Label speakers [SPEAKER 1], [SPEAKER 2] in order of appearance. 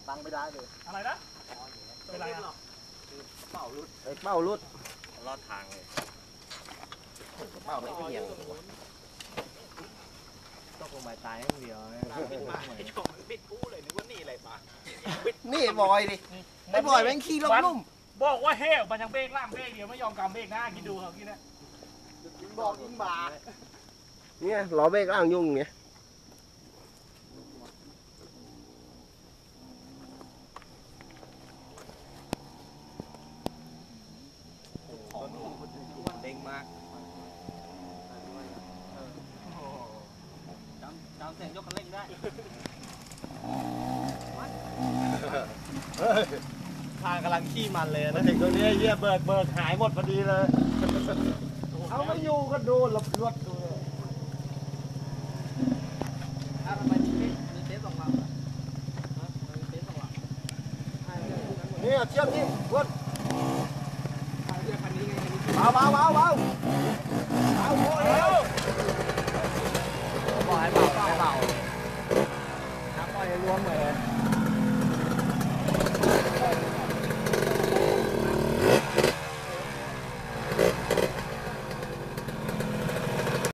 [SPEAKER 1] ตั้งไม่ได้เลย
[SPEAKER 2] อะไรนะเป็นไรอ่ะ
[SPEAKER 1] เป้ารุด
[SPEAKER 3] ลอดทางเลย
[SPEAKER 1] เป้าไม่เกี่ยวต้องลงไปตายอย่างเดียวปิดกู้เลยนึกว่านี่อะไรมานี่บอยดิไอ้บอยแม่งขี้ลุ่ม
[SPEAKER 2] บอกว่าเฮ้มันยังเบรกล่างเบรกเดียวไม่ยอมกำเบรกหน้าคิดดูครับคิดนะ
[SPEAKER 1] บอกยิงบาเนี่ยล้อเบรกล่างยุ่งเนี่ยเด้งมากจำเสียงยกคันเร่งได้ทางกำลังขี้มันเลยนะถึงตัวนี้เยี่ยเบิกหายหมดพอดีเลยเอาไม่อยู่ก็โดนหลบลวดดูเลยทำไมมีเทสสองลำมีเทสสองลำนี่เชือกนี่ลวดเบา